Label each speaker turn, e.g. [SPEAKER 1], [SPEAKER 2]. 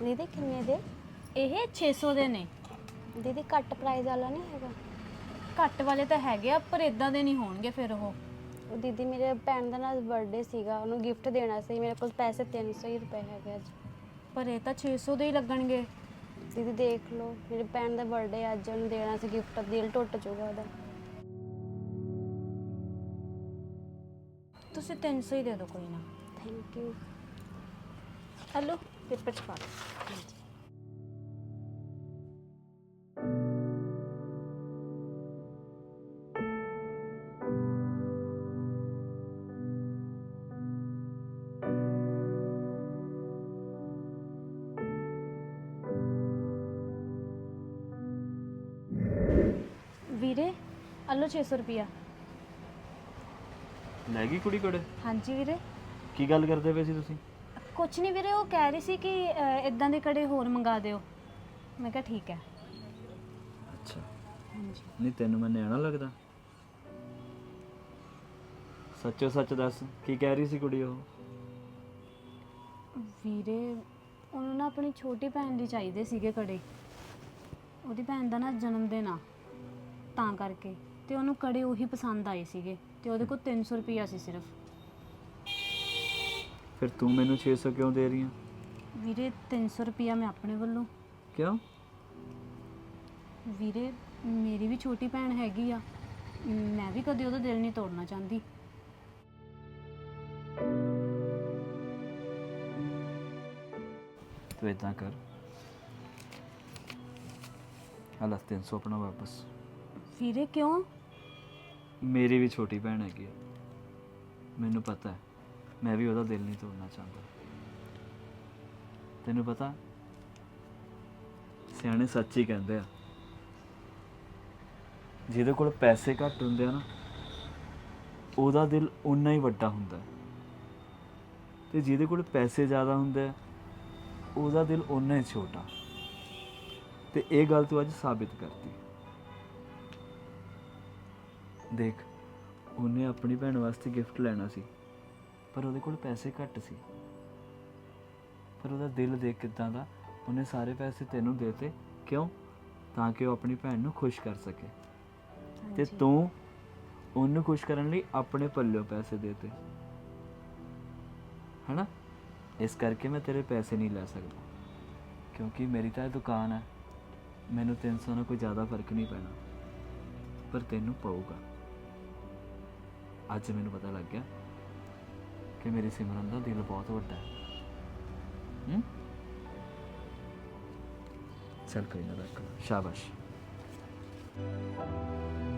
[SPEAKER 1] ਦੀਦੀ ਕਿੰਨੇ ਦੇ?
[SPEAKER 2] ਇਹ 600 ਦੇ ਨੇ।
[SPEAKER 1] ਦੀਦੀ ਘੱਟ ਪ੍ਰਾਈਸ ਵਾਲਾ ਨਹੀਂ ਹੈਗਾ?
[SPEAKER 2] ਘੱਟ ਵਾਲੇ ਤਾਂ ਹੈਗੇ ਆ ਪਰ ਇਦਾਂ ਦੇ ਨਹੀਂ ਹੋਣਗੇ ਫਿਰ ਉਹ।
[SPEAKER 1] ਉਹ ਦੀਦੀ ਮੇਰੇ ਭੈਣ ਦਾ ਨਾਲ ਬਰਥਡੇ ਸੀਗਾ, ਉਹਨੂੰ ਗਿਫਟ ਦੇਣਾ ਸੀ, ਮੇਰੇ ਕੋਲ ਪੈਸੇ 300 ਹੀ ਰੁਪਏ ਹੈਗੇ ਅੱਜ।
[SPEAKER 2] ਪਰ ਇਹ ਤਾਂ 600 ਦੇ ਹੀ ਲੱਗਣਗੇ।
[SPEAKER 1] ਦੀਦੀ ਦੇਖ ਲਓ, ਮੇਰੇ ਭੈਣ ਦਾ ਬਰਥਡੇ ਅੱਜ, ਉਹਨੂੰ ਦੇਣਾ ਸੀ ਗਿਫਟ, ਦਿਲ ਟੁੱਟ ਜਾਊਗਾ ਉਹਦਾ।
[SPEAKER 2] ਤੁਸੀਂ 300 ਹੀ ਦੇ ਦਿਓ ਕੋਈ ਨਾ।
[SPEAKER 1] Thank you.
[SPEAKER 2] ਹੈਲੋ ਪੇਪਰ ਚ ਪਾ ਦਿਓ। ਵੀਰੇ ਅੱਲੋ 600 ਰੁਪਿਆ।
[SPEAKER 3] ਲੈ ਗਈ ਕੁੜੀ ਕੋੜੇ?
[SPEAKER 2] ਹਾਂਜੀ ਵੀਰੇ।
[SPEAKER 3] ਕੀ ਗੱਲ ਕਰਦੇ ਪਏ ਸੀ ਤੁਸੀਂ?
[SPEAKER 2] ਕੁਛ ਨਹੀਂ ਵੀਰੇ, ਉਹ ਕਹਿ ਰਹੀ ਸੀ ਕਿ ਇਦਾਂ ਦੇ ਕੜੇ ਹੋਰ ਮੰਗਾ ਦਿਓ। ਮੈਂ ਕਿਹਾ ਠੀਕ ਹੈ।
[SPEAKER 3] ਅੱਛਾ,
[SPEAKER 2] ਹਾਂਜੀ।
[SPEAKER 3] ਨਹੀਂ ਤੈਨੂੰ ਮੈਂ ਨਿਆਣਾ ਲੱਗਦਾ? ਸੱਚੋ ਸੱਚ ਦੱਸ, ਕੀ ਕਹਿ ਰਹੀ ਸੀ ਕੁੜੀ ਉਹ?
[SPEAKER 2] ਵੀਰੇ ਉਹਨੂੰ ਨਾ ਆਪਣੀ ਛੋਟੀ ਭੈਣ ਲਈ ਚਾਹੀਦੇ ਸੀਗੇ ਕੜੇ। ਉਹਦੀ ਭੈਣ ਦਾ ਨਾ ਜਨਮ ਦਿਨ ਆ, ਤਾਂ ਕਰਕੇ ਤੇ ਉਹਨੂੰ ਕੜੇ ਉਹੀ ਪਸੰਦ ਆਏ ਸੀਗੇ ਤੇ ਉਹਦੇ ਕੋਲ 300 ਰੁਪਈਆ ਸੀ ਸਿਰਫ।
[SPEAKER 3] ਫਿਰ ਤੂੰ ਮੈਨੂੰ 600 ਕਿਉਂ ਦੇ ਰਹੀ ਆ?
[SPEAKER 2] ਵੀਰੇ 300 ਰੁਪਈਆ ਮੈਂ ਆਪਣੇ ਵੱਲੋਂ।
[SPEAKER 3] ਕਿਉਂ?
[SPEAKER 2] ਵੀਰੇ ਮੇਰੀ ਵੀ ਛੋਟੀ ਭੈਣ ਹੈਗੀ ਆ, ਮੈਂ ਵੀ ਕਦੇ ਉਹਦਾ ਦਿਲ ਨਹੀਂ ਤੋੜਨਾ ਚਾਹੁੰਦੀ।
[SPEAKER 3] ਤੂੰ ਇਦਾਂ ਕਰ, ਹਾਲਾ 300 ਆਪਣਾ ਵਾਪਸ।
[SPEAKER 2] ਵੀਰੇ ਕਿਉਂ?
[SPEAKER 3] ਮੇਰੀ ਵੀ ਛੋਟੀ ਭੈਣ ਹੈਗੀ ਆ, ਮੈਨੂੰ ਪਤਾ ਹੈ, ਮੈਂ ਵੀ ਉਹਦਾ ਦਿਲ ਨਹੀਂ ਤੋੜਨਾ ਚਾਹੁੰਦਾ। ਤੈਨੂੰ ਪਤਾ, ਸਿਆਣੇ ਸੱਚ ਹੀ ਕਹਿੰਦੇ ਆ, ਜਿਹਦੇ ਕੋਲ ਪੈਸੇ ਘੱਟ ਹੁੰਦੇ ਆ ਨਾ, ਉਹਦਾ ਦਿਲ ਉਨਾ ਹੀ ਵੱਡਾ ਹੁੰਦਾ ਹੈ, ਤੇ ਜਿਹਦੇ ਕੋਲ ਪੈਸੇ ਜ਼ਿਆਦਾ ਹੁੰਦੇ ਆ, ਉਹਦਾ ਦਿਲ ਉਨਾ ਹੀ ਛੋਟਾ। ਤੇ ਇਹ ਗੱਲ ਤੂੰ ਅੱਜ ਸਾਬਿਤ ਕਰਤੀ। ਦੇਖ, ਉਹਨੇ ਆਪਣੀ ਭੈਣ ਵਾਸਤੇ ਗਿਫਟ ਲੈਣਾ ਸੀ, ਪਰ ਉਹਦੇ ਕੋਲ ਪੈਸੇ ਘੱਟ ਸੀ, ਪਰ ਉਹਦਾ ਦਿਲ ਦੇਖ ਕਿੱਦਾਂ ਦਾ, ਉਹਨੇ ਸਾਰੇ ਪੈਸੇ ਤੈਨੂੰ ਦੇਤੇ। ਕਿਉਂ? ਤਾਂ ਕਿ ਉਹ ਆਪਣੀ ਭੈਣ ਨੂੰ ਖੁਸ਼ ਕਰ ਸਕੇ। ਤੇ ਤੂੰ ਉਹਨੂੰ ਖੁਸ਼ ਕਰਨ ਲਈ ਆਪਣੇ ਪੱਲਿਓਂ ਪੈਸੇ ਦੇਤੇ, ਹੈਨਾ? ਇਸ ਕਰਕੇ ਮੈਂ ਤੇਰੇ ਪੈਸੇ ਨਹੀਂ ਲੈ ਸਕਦਾ, ਕਿਉਂਕਿ ਮੇਰੀ ਤਾਂ ਇਹ ਦੁਕਾਨ ਹੈ, ਮੈਨੂੰ 300 ਨਾਲ ਕੋਈ ਜ਼ਿਆਦਾ ਫਰਕ ਨਹੀਂ ਪੈਣਾ, ਪਰ ਤੈਨੂੰ ਪਊਗਾ। ਅੱਜ ਮੈਨੂੰ ਪਤਾ ਲੱਗ ਗਿਆ ਕਿ ਮੇਰੀ ਸਿਮਰਨ ਦਾ ਦਿਲ ਬਹੁਤ ਵੱਡਾ ਹੈ। ਚੱਲ ਕੋਈ ਨਾ, ਰੱਖ, ਸ਼ਾਬਾਸ਼।